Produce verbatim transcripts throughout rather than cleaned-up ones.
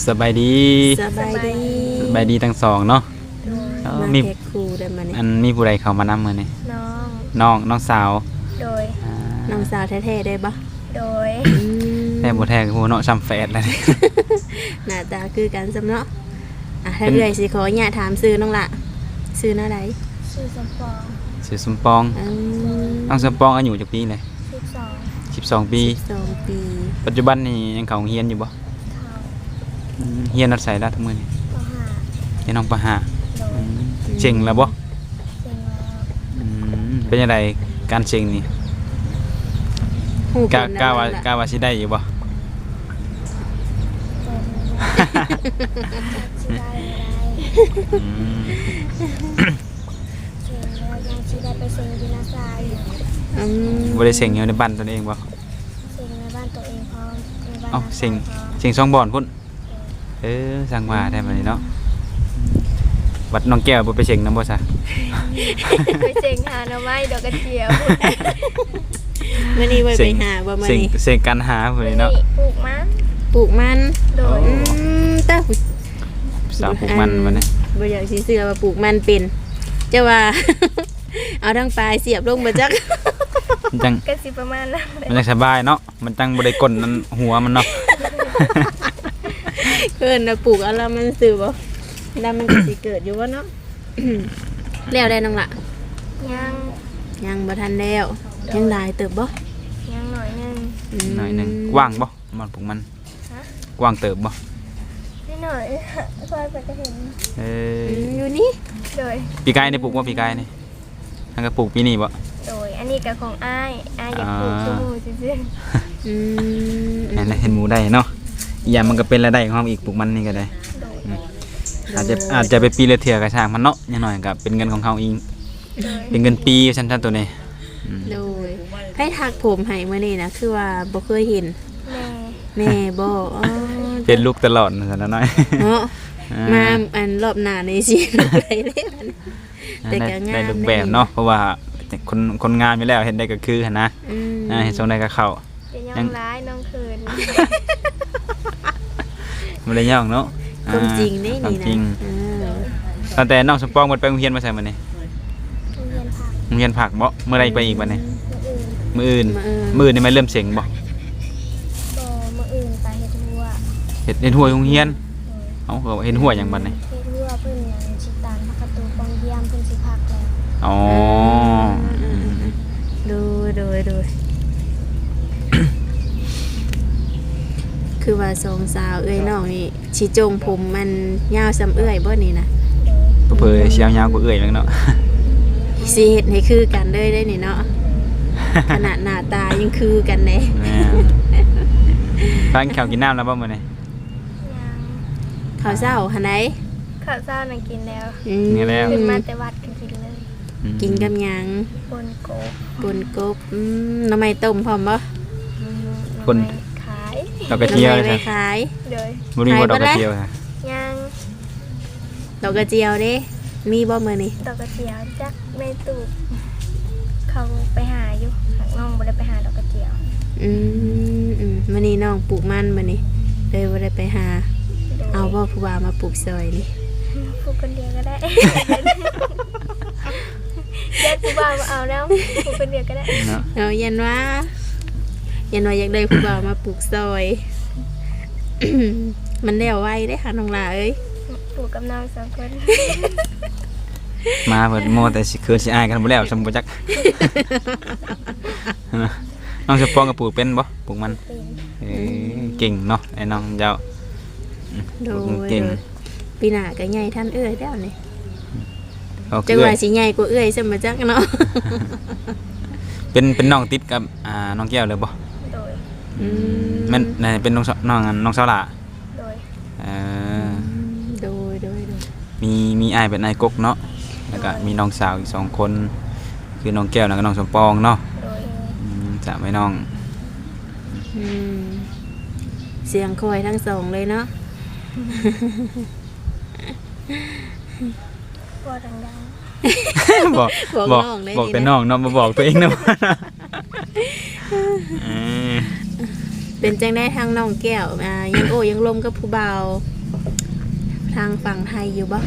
สบายดีสบายดีสบายดีทั้งสองเนาะมามีแขกครูได้มาเนี่ยอันมีผู้ใดเข้ามานำมื้อนี้น้องน้องน้องสาวโดยน้องสาวแท้ๆได้ปะโดยแต่บ่แท้คือเนาะซ้ำแฝดแล้วนี่หน้าตาคือกันซำเนาะอ่ะถ้าเอื้อยสิขอญาตถามชื่อน้องละชื่อหน้าใดชื่อสมปองชื่อสมปองอืมน้องสมปองอายุจักปีเลยสิบสองสิบสองปีสองปีปัจจุบันนี่ยังเข้าโรงเรียนอยู่บ่เท่าอืมเรียนนัดใส่ละทุกมื้อนี่ปห้าเรียนน้องปห้าโดยอืมเจ๋งแล้วบ่เซ็งแล้วอืมเป็นจังไดการเจ๋งนี่ฮู้กะเป็นกะแล้วว่าล่ะกะว่าสิได้อยู่บ่เป็นชิได้อะไรอืมเซ็งแล้วยังชิได้ไปเซ็งวินาซายอืมบ่ได้เซ็งอยู่ในบ้านตนเองบ่เซ็งในบ้านตัวเองพร้อมในบ้านเอ้าน้าเซ็งพร้อมเซ็งสองบ่อนพุ่นเออสั่งว่าได้บัดนี้เนาะวัดน้องแก้วบ่ไปเซ็งนำบ่ซะไปเซ็งหาหน่อไม้ดอกกระเจียวมื้อนี้ไว้ไปหาบ่มื้อเซ็งนี้เซ็งกันหาพุ่นนี่เนาะปลูกมันปลูกมันโดยอืมตาสาวปลูกมันบัดนี้บ่อยากสิเชื่อว่าปลูกมันเป็นจะว่า เอาทั้งปลายเสียบลงบ่จักมันจังก็สิประมาณนั้นเลยมันจังสบายเนาะมันจังบ่ได้ก้นนั่นหัวมันเนาะเกินน่ะปลูกเอาแล้วมันซื้อบ่แล้วมันก็สิเกิดอยู่บ่เนาะ แล้วได้น้องละยังยังบ่ทันแล้วยังหลายเติบบ่ยังหน่อยหนึงมหน่อยหนึงกว้างบ่มันปลูกมันฮะกว้างเติบบ่นิดหน่อยคอยไปก็เห็นเอออืมอยู่นี่โดยปีกายนี่ปลูกบ่ปีกายนี่ทั้งก็ปลูกปีนี้บ่โดยอันนี้กับของอ้ายอ้ายอยากปลูกอ่าชมพูซื่ออืมนั่นแหละเห็นหมูได้เนาะอีกอย่างมันก็เป็นรายได้ของเราอีกปลูกมันนี่ก็ได้ๆโดยอืมอาจจะอาจจะไปปีละเทื่อก็ช่างมันเนาะอย่างน้อยก็เป็นเงินของเขาเองโดยเป็นเงินปีชั้นๆตัวนี้อืมโดยให้ทักผมให้มื้อนี้นะคือว่าบ่เคยเห็นแม่แม่บ่อ๋อเป็นลูกตลอดซั่นนะน้อยเนาะอ่มาอันรอบหน้านี่สิไปเลยมัน แต่ก็งามได้รูปแบบเนาะเพราะว่าคนคนงานอยู่แล้วเห็นได้ก็คือหั่นนะอืมอ่าเห็นทรงได้ก็เข้าจะย่องร้ายน้องเขินบ่ได้ย่องเนาะความจริงนี่ความนี่จริงนะเออตั้งแต่น้องสมปองหมดไปโรงเรียนมาใส่มื้อนี้โรงเรียนผักโรงเรียนผักบ่เมื่อใดไปอีกบัดนี้มื้ออื่นมื้ออื่นมื้ออื่นนี่มันเริ่มเสียงบ่ก็มื้ออื่นไปเฮ็ดหัวเฮ็ดเฮ็ดหัวโรงเรียนโดยเอ้าก็เฮ็ดหัวหยังบัดนี้เฮ็ดหัวเพิ่นหยังสิตานพักประตูปองเยี่ยมเพิ่นสิพักแล้วอ๋อดูดูดูคือว่าสองสาวเอ้ยน้องนี่สิจงผมมันยาวซ้ำเอ้ยบ่นี่นะโดยเผยเสียวยาวกว่าเอื้อยแม่งเนาะสิเฮ็ดให้คือกันเลยได้นี่เนาะ ขนาดหน้าตายังคือกันแน่แม่ทานข้าวกินน้ำแล้วบ่มื้อนี้ยังข้าวเช้าหั่นใดข้าวเช้านั่งกินแล้วอืมนี่แล้วขึ้นมาแต่วัดก็กินเลยอืมกินกับหยังปนโกบปนกบอืมหน้ำไม้ต้มพร้อมบ่คนขายดอกกระเจียวหเลน่อย ไม้จ้ะขายโดยบ่มีบ่ขายดอกกระบ่ได้เจียวค่ะยังดอกกระเจียวเด้มีบ่มื้อนี้ดอกกระเจียวจักแม่ตูบเขาไปหาอยู่หากน้องบ่ได้ไปหาดอกกระเจียวอืมอืมมื้อนี้น้องปลูกมันมื้อนี้เลยบ่ได้ไปหาโดยเอาบ่ผู้ว่ามาปลูกซอยนี่พูดคนเดียวก็ได้ ญาติผู้บ่าวมาเอาแล้วพูดคนเดียวก็ได้เนาะเอายันว่ายันว่าอยากได้ผู้บ่าวมาปลูกซอย มันแล้วไวเด้ค่ะน้องหลาเอ้ยปลูกกับน้องสองคนมาเพิ่นโมแต่สิเคินสิอายกันบ่แล้วซำบ่จัก น้องสปองก็ปลูกเป็นบ่ปลูกมันเป็นเอ้ยเก่งเนาะไอ้น้องเจ้าโดปลูกยเก่งปีหน้าก็ใหญ่ท่านเอ้ยแล้วนี่เอาจัคืงอว่าสิใหญ่กว่าเอ้ยซะมาจักเนาะเป็นเป็นน้องติดกับอ่าน้องแก้วเลยบ่โดยอืมแม่นนั่นเป็นน้องสน้องอันน้องสาวหล่าโดยเออโดยโดยโดยมีมีอ้ายเป็นนายกกเนาะแล้วก็มีน้องสาวอีกสองคนคือน้องแก้วแล้วก็น้องสมปองเนาะโดยอืมจะไม่น้องอืมเสียงคอยทั้งสองเลยเนาะพ่อดังบอกบอกบอกน้องเลยบอกนี่แต่นะน้องเนาะมาบอกตัวเองนะเออเป็นจังได้ทางน้องแก้วอ่ายังโอ้ยังลมกับผู้บ่าวๆทางฝั่งไทยอยู่บ่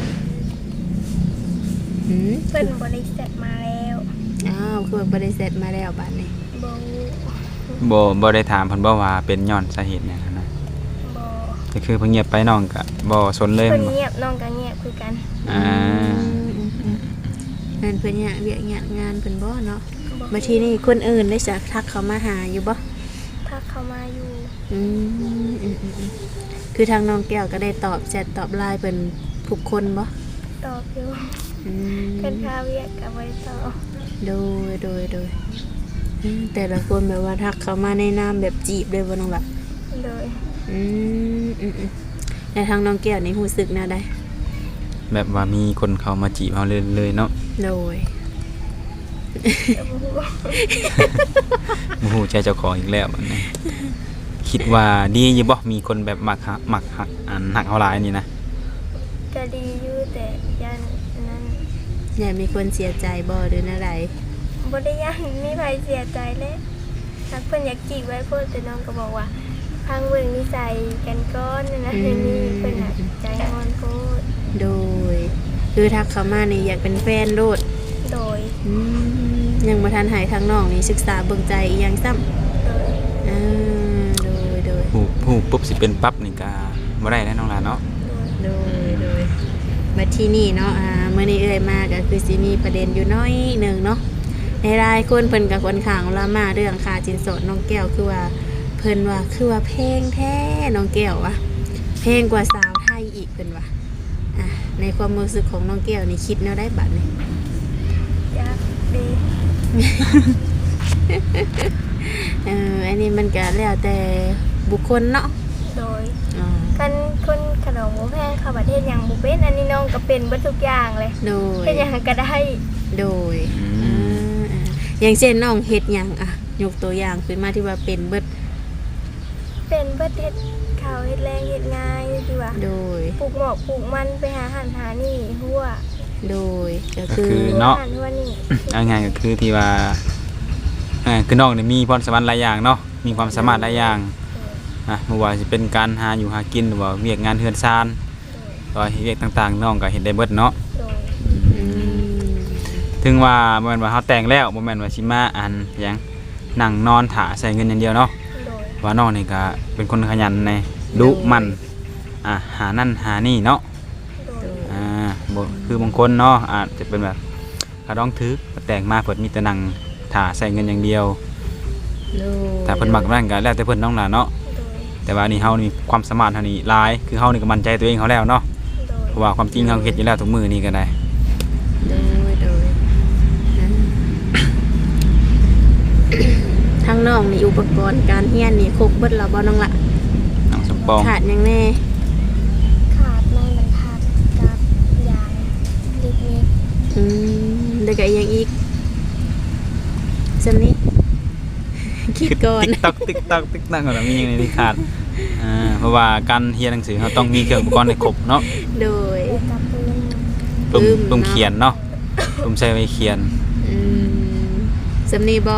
หืมเพิ่นบริษัทมาแล้วอ้าวคือบริษัทมาแล้วบัดนี้บ่บ่บ่ได้ถามเพิ่นบ่ว่าเป็นย้อนสาเหตุหยังหั้นนะบ่ก็คือเพิ่นเงียบไปน้องก็บ่สนเลยเพิ่นบ่เงียบน้องก็เงียบคือกันอ่างานเพิ่นเนี่ยเวียกงานงานเพิ่นบ่เนาะบ่บัดทีนี้คนอื่นได้จะทักเขามาหาอยู่บ่ถ้าเข้ามาอยู่อืมอืมอืมอืมคือทางน้องแก้วก็ได้ตอบแชทตอบไลน์เพิ่นทุกคนบ่ตอบอยู่อืมเพิ่นพาเวียกก็บ่ได้ตอบโดยโดยโดยอืมแต่ละคนแบบว่าทักเขามาในนามแบบจีบเลยบ่น้องล่ะโดยอืมอืมอืมในทางน้องแก้วนี่รู้สึกแนวใดแบบว่ามีคนเข้ามาจีบเฮาเลยเลยเนาะโดยก็บ่ฮู้บ่ฮู้ใจเจ้าของอีกแล้วบัดนี้คิดว่าดีอยู่บ่มีคนแบบมักฮักมักฮักอันฮักเฮาหลายนี่นะก็ดีอยู่แต่ยันนั้นอย่ามีคนเสียใจบ่หรืออะไรบ่ได้ยันมีใครเสียใจเลยถ้าเพิ่นอยากจีบไว้เพิ่นแต่น้องก็บอกว่าพังเบิ่งนิสัยกันก่อนนั่นนะนี่เพิ่นน่ะใจอ่อนโพดโดย คือทักเขามานี่อยากเป็นแฟนโลดโดยอืมยังบ่ทันหายทางน้องนี่ศึกษาเบิ่งใจอีหยังซ้ำโดยอ่าโดยโดยฮู้ฮู้ปุ๊บสิเป็นปั๊บนี่ก็บ่ได้แล้วน้องหลานเนาะโดยโดยโดยมาที่นี่เนาะอ่ามื้อนี้เอ่ยมาก็คือสิมีประเด็นอยู่น้อยหนึงเนาะในรายคนเพิ่นก็ค่อนข้างละมาเรื่องค่าสินสอดน้องแก้วคือว่าเพิ่นว่าคือว่าแพงแท้น้องแก้ววะแพงกว่าสาวไทยอีกเพิ่นว่าอ่ะในความรู้สึกของน้องแก้วนี่คิดแนวได้บัดนี่อยากดีเอออันนี้มันก็แล้วแต่บุคคลเนาะโดยอ๋อกันคนขนมหมูแพงเข้าประเทศอย่างบุเป็นอันนี้น้องก็เป็นเบิดทุกอย่างเลยโดยเฮ็ดหยังก็ได้โดยอ่าอ่าอย่างเช่นน้องเฮ็ดหยังอ่ะยกตัวอย่างขึ้นมาที่ว่าเป็นเบิดเป็นเบิดเฮ็ดข้าวเฮ็ดแรงเฮ็ดง่ายดีว่าโดยปลูกหมอกปลูกมันไปหาอาหารหานี่หัวโดยก็ก็คืคือ อหัวเนาะหันหัวนี่เอาง่ายก็คือที่ว่าอ่าคือน้องนี่มีพรสวรรค์หลายอย่างเนาะมีความสามารถหลายอย่างอ่ะบ่ว่าสิเป็นการหาอยู่หากินหรือว่าเวียกงานเฮือนซานก็เวียกต่างๆน้องก็เฮ็ดได้เบิดเนาะโดยอืมถึงว่าบ่แม่นว่าเฮาแต่งแล้วบ่แม่นว่าสิมาอันหยังนั่งนอนถ่าใส่เงินอย่างเดียวเนาะโดยว่าน้องนี่ก็เป็นคนขยันในดุมันอ่ะหานั่นหานี่เนาะโดยอ่าบ่คือบางคนเนาะอาจจะเป็นแบบกระดองทึกแต่งมาเพิ่นมีแต่นั่งถ่าใส่เงินอย่างเดียวโดยถ้าเพิ่นมักนั่นก็แล้วแต่เพิ่นน้องล่ะเนาะโดยแต่ว่านี่เฮานี่ความสามารถเฮานี่หลายคือเฮานี่ก็มั่นใจตัวเองเฮาแล้วเนาะโดยเพราะว่าความจริงเฮาเฮ็ดอยู่แล้วทุกมื้อนี่ก็ได้โดยโดยอ่าทางน้องนี่อุปกรณ์การเรียนนี่ครบเบิดแล้วบ่น้องละน้องสมปองขาดหยังแน่ขาดไม้บรรทัดกับยางลิกนิกอืมแล้วก็อีกอย่างอีกซำนี้ คิดก่อนติ๊กต๊อกติ๊กต๊อกติ๊กต๊อกก็มีอย่างนี้ที่ขาดอ่าเพราะว่าการเรียนหนังสือเฮาต้องมีเครื่องอุปกรณ์ให้ครบเนาะโดยแล้วกับปืนปุ่มอืมปุ่มเนาะเขียนเนาะปุ่มใช้ไว้เขียนอืมซำนี้บ่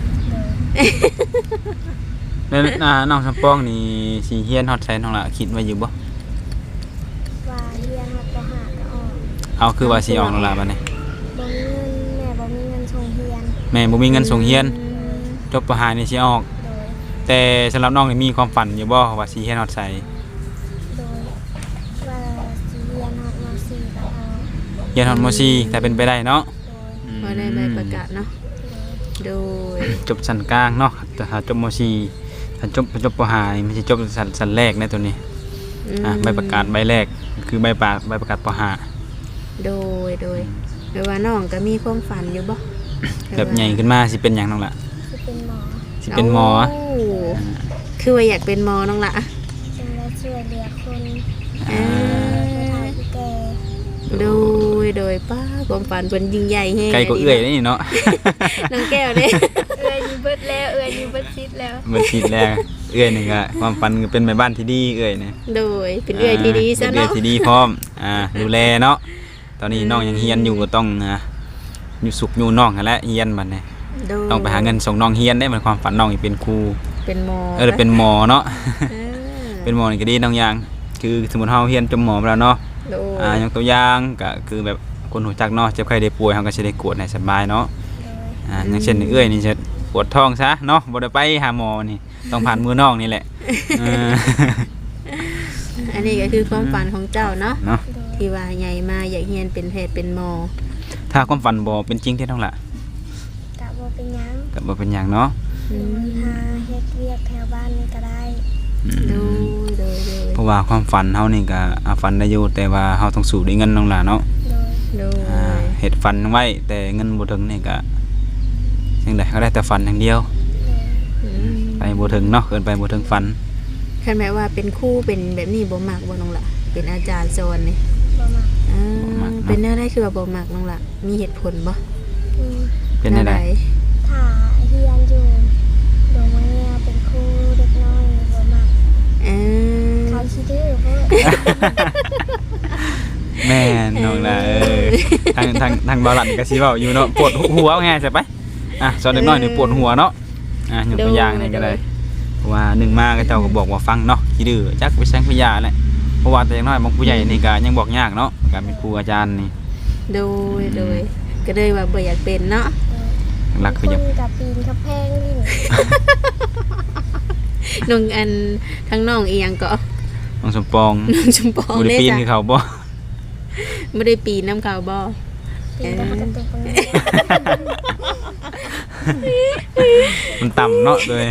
โดยแล้วอ่าน้องสมปองนี่สิเรียนฮอดไสน้องล่ะคิดไว้อยู่บ่ว่าเรียนมาปหาก็ออกเอาคือว่าสิออกน้องล่ะบัดนี้บ่มีเงินแม่บ่มีเงินส่งเรียนแม่บ่มีเงินส่งเรียนอืมจบปหานี่สิออกโดยแต่สำหรับน้องนี่มีความฝันอยู่บ่ว่าสิเรียนฮอดไสโดยว่าสิเรียนฮอดม .สี่ ก็เอาเรียนฮอดม .สี่ ถ้าเป็นไปได้เนาะโดยอืมพอได้ใบประกาศเนาะ โดยจบชั้นกลางเนาะแต่ถ้าจบม .สี่ ถ้าจบจบปหานี่มันสิจบชั้นชั้นแรกในตัวนี้อ่ะใบประกาศใบแรกคือใบประใบประกาศปหาโดย โดยแปลว่าน้องก็มีความฝันอยู่บ่แบบใหญ่ขึ้นมาสิเป็นหยังน้องล่ะสิเป็นหมอสิเป็นหมอโคือว่าอยากเป็นหมอน้องละเป็นและช่วยเหลือคนอ่าผู้เฒ่าผู้แก่โดย โดยป้าความฝันเป็นยิ่งใหญ่แฮงไกลก็เอื้อยนี่เนาะน้องแก้วเด้เอื้อยอยู่เบิดแล้วเอื้อยอยู่เบิดซิดแล้วมันคิดแล้วเอื้อยนี่ก็ความฝันก็เป็นแม่บ้านที่ดีเอื้อยนี่โดย เป็นเอื้อยที่ดีซะเป็นเอื้อยเนาะที่ดีพร้อมอ่าดูแลเนาะตอนนี้น้องยังเรียนอยู่ก็ต้องอ่าอยู่สุขอยู่น้องนั่นแหละเรียนบัดนี้โดยต้องไปหาเงินส่งน้องเรียนได้มันความฝันน้องอีกเป็นครูเป็นหมอเออเป็นหมอเนาะเออเป็นหมอนี่ก็ดีน้องอย่างคือสมมุติเฮาเรียนจบหมอไปแล้วเนาะโดยอ่ายกตัวอย่างก็คือแบบคนหูจักเนาะเจ็บไข้ได้ป่วยเฮาก็สิได้กวดให้สบายเนาะโดยอ่าอย่างเช่นเอื้อยนี่จะปวดท้องซะเนาะบ่ได้ไปหาหมอนี่ต้องผ่านมือน้องนี่แหละเอออันนี้ก็คือความฝันของเจ้าเนาะเนาะโดยที่ว่าใหญ่มาอยากเรียนเป็นแพทย์เป็นหมอถ้าความฝันบ่เป็นจริงที่ต้องล่ะกะบ่เป็นหยังก็บ่เป็นหยังเนาะอืมหาเฮ็ดเวียกแถวบ้านนี่ก็ได้อืมโดยโดยโดยเพราะว่าความฝันเฮานี่ก็อาฝันได้อยู่แต่ว่าเฮาต้องสู้ด้วยเงินน้องล่ะเนาะโดยโดอ่าย เฮ็ดฝันไว้แต่เงินบ่ถึงนี่ก็จังได๋ก็ได้แต่ฝันอย่างเดียวโดยอืมไปบ่ถึงเนาะเกินไปบ่ถึงฝันคันแม้ว่าเป็นครูเป็นแบบนี้บ่มักบ่น้องล่ะเป็นอาจารย์สอนนี่บ่มักอ่าเป็นแนวใดคือว่าบ่มักน้องล่ะมีเหตุผลบ่อืมเป็นได้แวไดใถ้าเฮียนอยู่โรงเรียนเป็นครูเด็กน้อยบ่มักเออเขาขี้ดื้อเพิ่นแม่นน้องล่ะเออทางทางทางบ่าวหลันก็สิเว้าอยู่เนาะปวดหัวว่าไงใช่ไปอ่ะสอนเด็กน้อยนี่ปวดหัวเนาะอ่ะยกตัวอย่างนี่ก็ได้ เพราะว่าหนึ่งมาก็เจ้าก็บอกว่าฟังเนาะขี้ดื้อจักไปแซงพยาแหละเพราะว่าแต่อย่างน้อยบางผู้ใหญ่นี่ก็ยังบอกยากเนาะการเป็นครูอาจารย์นี่โดยโดยก็เลยว่าบ่อยากเป็นเนาะหลักคือคยังนกับปีนกับแพงนี่น้องอันทั้งน้องอีหยังก็น้องสมปองน้องชมปองบ่ได้เด้ปีนจ้ะคือเขาบ่บ่ได้ปีนน้ำเขาบ่ปีนกับกระตุกคนนี้มันต่ำเนาะเลย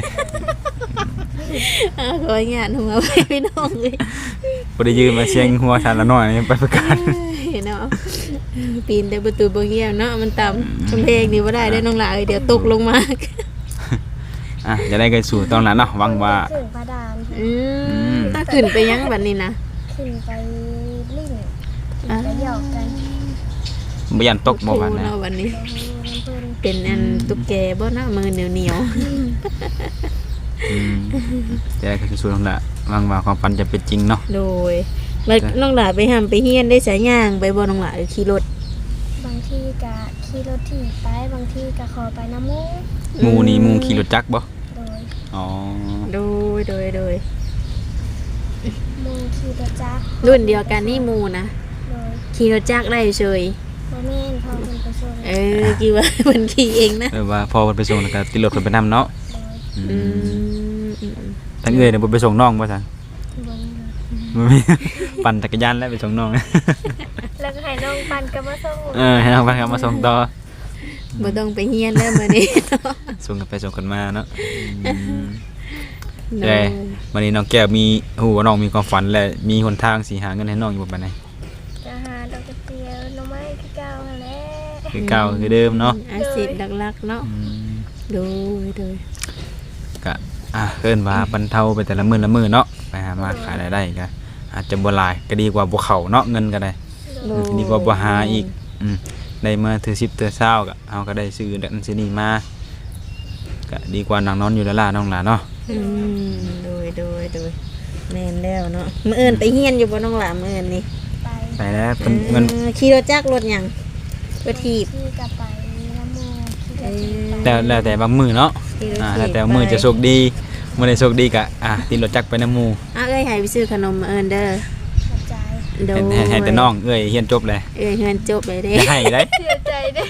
อ้าวขออนุญาตมาไว้พี่น้องเลยบ่ได้ยืมมาเชียงหัวชานละน้อยนี่ไปประกาศเนาะปีนแต่ประตูบ่เงี้ยเนาะมันต่ำกำแพงนี่บ่ได้ได้อน้องหลาเอ้ยเดี๋ยวตกลงมาอ่ะจะได้ไปสู่ตอนนั้นเนาะหวังว่าขึ้นพระดานอืมถ้าขึ้นไปยังบัดนี้นะขึ้นไปลิ่นขึ้นไปหยอกกันบ่ยันตกบ่ว่าโอ้นะเนาะวันนี้โอ้โหน้ำเพิ่นเป็นอันตุ๊กแกบ่เนาะมือเหนียวอืมจะได้ไปสู่ตรงนั้นหวังว่าความฝันจะเป็นจริงเนาะๆโดยแล้วน้องหลาไปหำไปเฮียนได้สายย่างไปบ่น้องหลาเอ้ยขี่รถบางทีกะขี่รถถีบไปบางทีกะขอไปน้ำมูกหมู่นี่หมู่ขี่รถจักรบ่โดยอ๋อโดยโดยโดยหมูขี่รถจักรรุ่นเดียวกันนี่หมูนะโดยขี่รถจักรได้เฉยบ่แม่นพอเป็นไปส่งเออกี่ว่า มันขี่เองนะเออว่าพอเพิ่นไปส่งแล้วก็ติดรถเพิ่นไปนํเนาะโดยอือืมมอืมทั้งเอ้ยเนี่ยบ่ไปส่งน้องบ่ซั่นบ่มีรถบ่มี ปั่นจักรยานแล้วไปส่งน้องแล้วก็ให้น้องปันก็มาส่งเออให้น้องไปครับมาส่งต่อบ่ต้องไปเฮียนแล้วมื้อนี้ส่งกันไปส่งกันมาเนาะอืมโดเอ้ยยวันนี้น้องแก้วมีฮู้ว่าน้องมีความฝันและมีหนทางสิหาเงินให้น้องอยู่บ่ปานใดจะหาดอกกระเจียวหน้ำไม้คือเก่าหั่นแหละคือเก่าคือเดิมเนาะอาชีพหลักๆเนาะอืมโดยโดยก็อ่ะเอิ้นว่าบรรเทาไปแต่ละมื้อละมื้อเนาะไปหามาขายรายได้ก็อาจจะบ่หลายก็ดีกว่าบ่เข้าเนาะเงินก็ได้โดยดีกว่าบ่หาอีกอืมได้มาถือสิบเถือเช้าก็เฮาก็ได้ซื้อดันซื้อนี่มาก็ดีกว่านั่งนอนอยู่แล้วล่ะน้องหล่ะเนาะอืมโดยโดยโดยแม่นแล้วเนาะมื้ออื่นไปเฮียนอยู่บ่น้องหลามื้ออื่นนี่ไปไปแล้วเพิ่นเงินเออขี่รถจักรรถหยังรถถีบที่กลับไปน้ำมูกขี่รถถีบไปแล้วแล้วแต่บางมื้อเนาะขี่รถอ่าถีบแล้วแต่มื้อจะโชคดีมื้อใดโชคดีก็อ่ะติดรถจักรไปนำหมู่อ่ะเอ้ยให้ไปซื้อขนมมื้ออื่นเด้อขอบใจโดยให้ให้แต่น้องเอ้ยเรียนจบเลยเอ้ยเฮือนจบเลยเด้อย่าให้ได้เสียใจเด้อ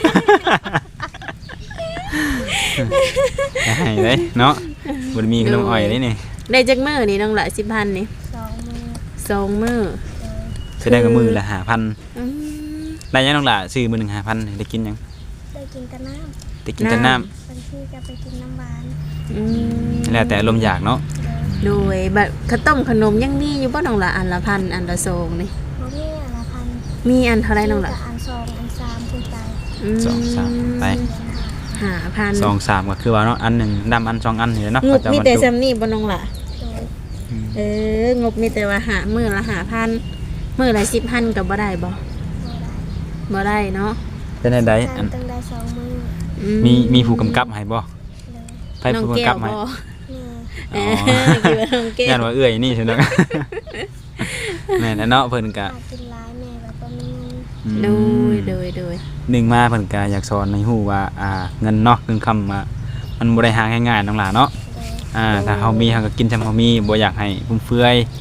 อย่าให้ได้เนาะบ่ได้มีขนมอ้อยได้นี่ได้จักมื้อนี่น้องหละสิบพันนี่สองมือสองมื้อโดยแสดงว่ามื้อละห้าพันอืมได้ยังน้องล่ะซื้อมื้อหนึงห้าพันได้กินหยังได้กินแต่น้ได้กินแต่น้ำำบางทีก็ไปกินน้ำหวานอืมแล้วแต่อารมณ์อยากเนาะโดยโดยบัดข้าวต้มขนมยังมีอยู่บ่น้องหละอันละพันอันละสองนี่บ่มีอันละพันมีอันเท่าไรน้องหละมีแต่อันสองอันสามขึ้นไปมสองสามไปหาพันสองสามก็คือว่าเนาะอันหนึ่งดำอันสองอันนี่แหละเนาะงบเขาจะมีบรรแต่จุซำนี้บ่น้องหละโดยอืมเอองบมีแต่ว่าหามื้อละหาพันมื้อละสิบพันก็บ่ได้บ่บ่ได้บ่ได้เนาะเป็นไดใดทาอันนตั้งได้สองมืออืมีมีผู้กำกับให้บ่เลยไผน้องผู้แก้กำกับวให้บ่นี่เออคิดว่าน้องแก้วย่านว่าเอื้อยนี่ใช่ไหม แม่นแล้วเนาะเพิ่นก็หากินร้ายแม่แบบว่ามีเงินอืมโดยโดยโดยหนึ่งมาเพิ่นก็อยากสอนให้ฮู้ว่าอ่าเงินเนาะเงินคำมามันบ่ได้หาง่ายๆน้องหล่ะเนาะเลยอ่าถ้าเฮามีเฮาก็กินจำเฮามีบ่อยากให้ฟุ่มเฟือยข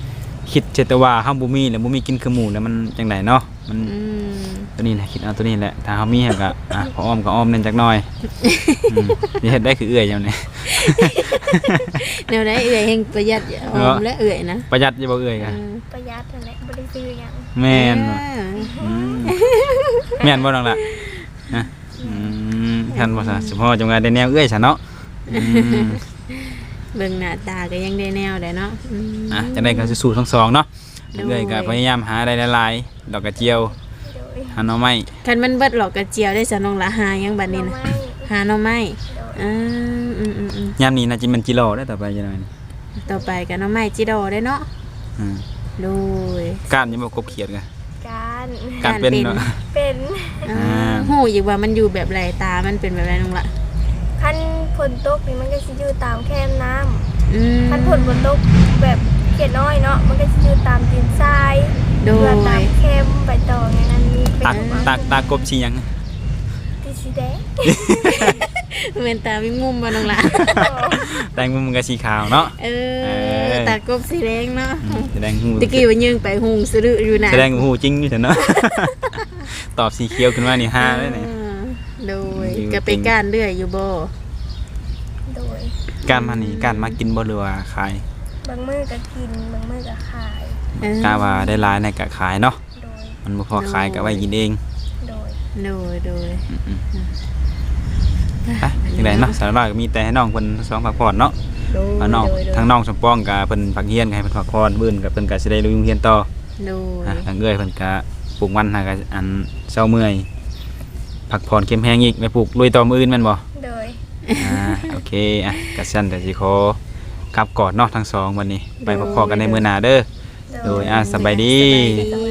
คิดเจตว่าเฮาบ่มีแล้วบ่มีกินคือหมู่แล้วมันจังไดเนาะมันอืมตัวนี้แหละคิดเอาตัวนี้แหละถ้าเฮามีก็อ่ะพออ้อมก็อ้อมแน่นจักหน่อยอืมนี่เฮ็ดได้คือเอื้อยจังนี่แนวใดเอื้อยแห่งประหยัดออมและเอื้อยนะประหยัดอยู่บ่เอื้อยก็เออประหยัดนั่นแหละบ่ได้ซื้อหยังแม่นบ่เอออืมแม่นบ่น้องล่ะฮะอืมท่านบ่ซะสิพ่อจังว่าได้แนวเอื้อยซะเนาะอืมเบิ่งหน้าตาก็ยังได้แนวได้เนาะอืมอ่ะจังได๋ก็สู้ๆทั้งสองเนาะโดยเอื้อยก็พยายามหาได้หลายๆดอกกระเจียวโดยหาหน่อไม้คันมันเบิดหลอกกระเจียวได้สะน้องละหายังบัดนี้นะหน่อไม้หาหน่อไม้โดยอ่าอืมอืมอืมยามนี้น่าจะเป็นกิโลได้ต่อไปจังได๋นี่ต่อไปก็หน่อไม้จิโดได้เนาะอืมโดยก้านยังบ่กบเขียดกะการก้านเป็นเนาะเป็นอ่าอ่าฮู้อีกว่ามันอยู่แบบไรตามันเป็นแบบไรน้องละคันฝนตกนี่มันก็สิอยู่ตามแคมน้ำอืมคันฝนฝนตกแบบเขียดน้อยเนาะมันก็สิอยู่ตามตีนทรายโดเรือย ตามแคมใบตองอย่างนั้นมีเป็นตักออกมาตักตากบสิหยังที่สีแดงเวนตาวิ่งมุมบ่น้องละแตงมุมมันก็สีขาวเนาะเอเอออตากบสีแดงเนาะอืมแสดงหูตะกี้ว่ายิงไปหุงสะดึอยู่นะแสดงหูจริงอยู่เถอะเนาะ ตอบสีเขียวขึ้นมานี่ห้าเลยนี่อ่าโดยอยู่ก็ไปก้านเรื่อยอยู่บ่โดยการมานี่การมากินบ่หรือว่าขายบางมื้อก็กินบางมื้อก็ขายเออกาว่าได้หลายในก็ขายเนาะโดยมันบ่พอขายก็ไว้กินเองโดยโดยโดยอืมๆไปจังได๋เนาะสารภาพก็มีแต่ให้น้องเพิ่นทั้งสองพักผ่อนเนาะโดยว่าน้องโดยโดยทั้งน้องสมปองก็เพิ่นพักเรียนก็ให้เพิ่นพักผ่อนมื้อนี้ก็เพิ่นก็สิได้ลุยโรงเรียนต่อโดยอ่ะทางเอื้อยเพิ่นก็ปลูกมันหาก็อันเช้าเมื่อยพักผ่อนเข้มแห้งอีกไปปลูกลุยต่อมื้ออื่นแม่นบ่โดยอ่าโอเคอ่ะกัสั่นแต่สิขอกลับกอดเนาะทั้งสองวันนี้ ไปพบกันในมื้อหน้าเด้อ โดยอ่ะสบายดีสบายดี